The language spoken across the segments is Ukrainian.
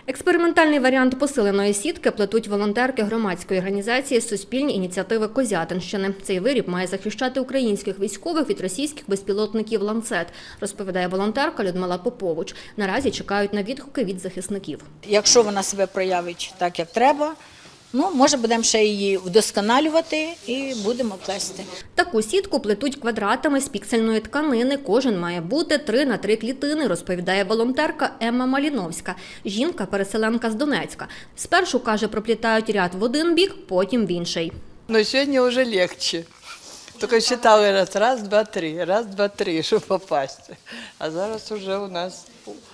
Експериментальний варіант посиленої сітки плетуть волонтерки громадської організації «Суспільні ініціативи Козятинщини». Цей виріб має захищати українських військових від російських безпілотників «Ланцет», розповідає волонтерка Людмила Попович. Наразі чекають на відгуки від захисників. Якщо вона себе проявить так, як треба, може будемо ще її вдосконалювати і будемо плести. Таку сітку плетуть квадратами з піксельної тканини. Кожен має бути 3 на 3 клітини, розповідає волонтерка Емма Маліновська. Жінка-переселенка з Донецька. Спершу, каже, проплітають ряд в один бік, потім в інший. Но сьогодні вже легше. Тільки считали раз, два, три, щоб попасти. А зараз вже у нас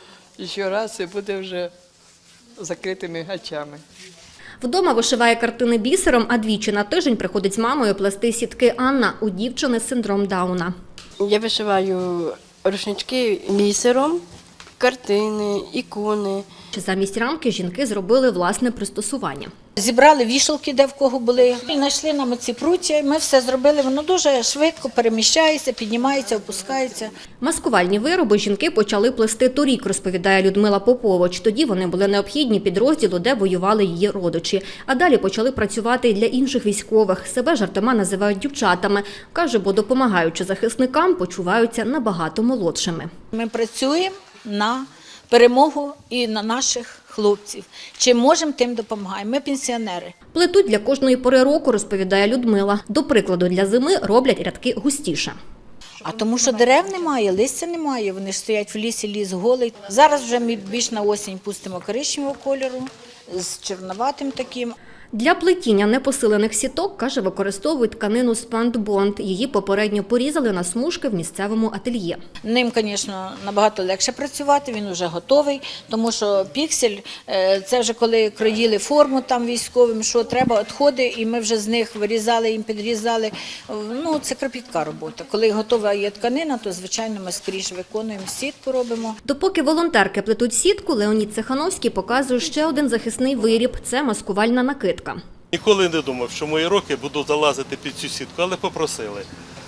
ще раз і буде вже закритими очами. Вдома вишиває картини бісером, а двічі на тиждень приходить з мамою плести сітки Анна. У дівчини синдром Дауна. Я вишиваю рушнички бісером, картини, ікони. Замість рамки жінки зробили власне пристосування. Зібрали вішалки, де в кого були, і знайшли нам оці пруття, ми все зробили, воно дуже швидко переміщається, піднімається, опускається. Маскувальні вироби жінки почали плести торік, розповідає Людмила Попович. Тоді вони були необхідні підрозділу, де воювали її родичі. А далі почали працювати і для інших військових. Себе жартома називають дівчатами. Каже, бо допомагаючи захисникам, почуваються набагато молодшими. Ми працюємо на перемогу і на наших хлопців. Чим можемо, тим допомагаємо. Ми пенсіонери. Плетуть для кожної пори року, розповідає Людмила. До прикладу, для зими роблять рядки густіше. А тому що дерев немає, листя немає, вони ж стоять в лісі, ліс голий. Зараз вже ми більш на осінь пустимо коричневого кольору, з чорноватим таким. Для плетіння непосилених сіток, каже, використовують тканину спандбонд. Її попередньо порізали на смужки в місцевому ательє. Ним, звісно, набагато легше працювати, він вже готовий, тому що піксель – це вже коли кроїли форму там військовим, що треба, відходи, і ми вже з них вирізали, їм підрізали. Це кропітка робота. Коли готова є тканина, то, звичайно, ми скоріше виконуємо, сітку робимо. Допоки волонтерки плетуть сітку, Леонід Цехановський показує ще один захисний виріб – це маскувальна накидка. Ніколи не думав, що мої руки будуть залазити під цю сітку, але попросили.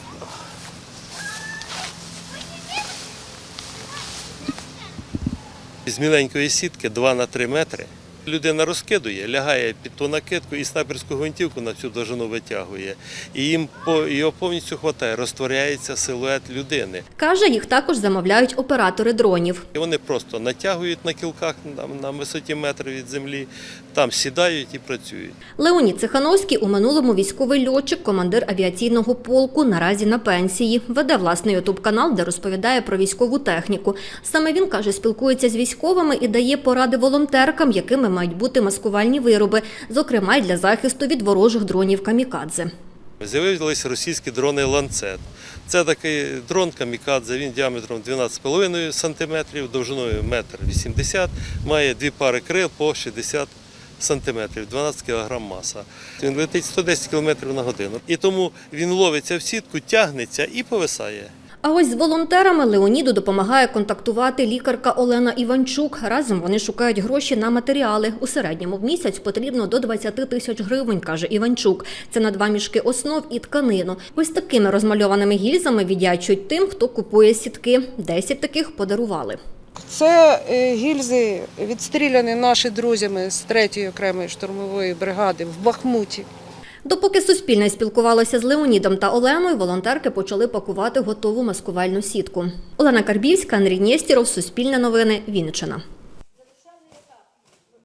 З міленької сітки 2 на 3 метри. Людина розкидує, лягає під ту накидку і снайперську гвинтівку на цю довжину витягує. І його повністю вистачає, розтворяється силует людини. Каже, їх також замовляють оператори дронів. І вони просто натягують на кілках на висоті метр від землі, там сідають і працюють. Леонід Цехановський у минулому військовий льотчик, командир авіаційного полку, наразі на пенсії. Веде власний ютуб-канал, де розповідає про військову техніку. Саме він, каже, спілкується з військовими і дає поради волонтеркам, якими мають бути маскувальні вироби, зокрема й для захисту від ворожих дронів камікадзе. З'явилися російські дрони «Ланцет». Це такий дрон камікадзе, він діаметром 12,5 см, довжиною 1,80 м, має 2 пари крил по 60 см, 12 кг маса. Він летить 110 км на годину. І тому він ловиться в сітку, тягнеться і повисає. А ось з волонтерами Леоніду допомагає контактувати лікарка Олена Іванчук. Разом вони шукають гроші на матеріали. У середньому в місяць потрібно до 20 тисяч гривень, каже Іванчук. Це на 2 мішки основ і тканину. Ось такими розмальованими гільзами віддячують тим, хто купує сітки. 10 таких подарували. Це гільзи відстріляні наші друзями з 3-ї окремої штурмової бригади в Бахмуті. Допоки Суспільне спілкувалося з Леонідом та Оленою, волонтерки почали пакувати готову маскувальну сітку. Олена Карбівська, Андрій Нєстєров, Суспільне новини, Вінниччина.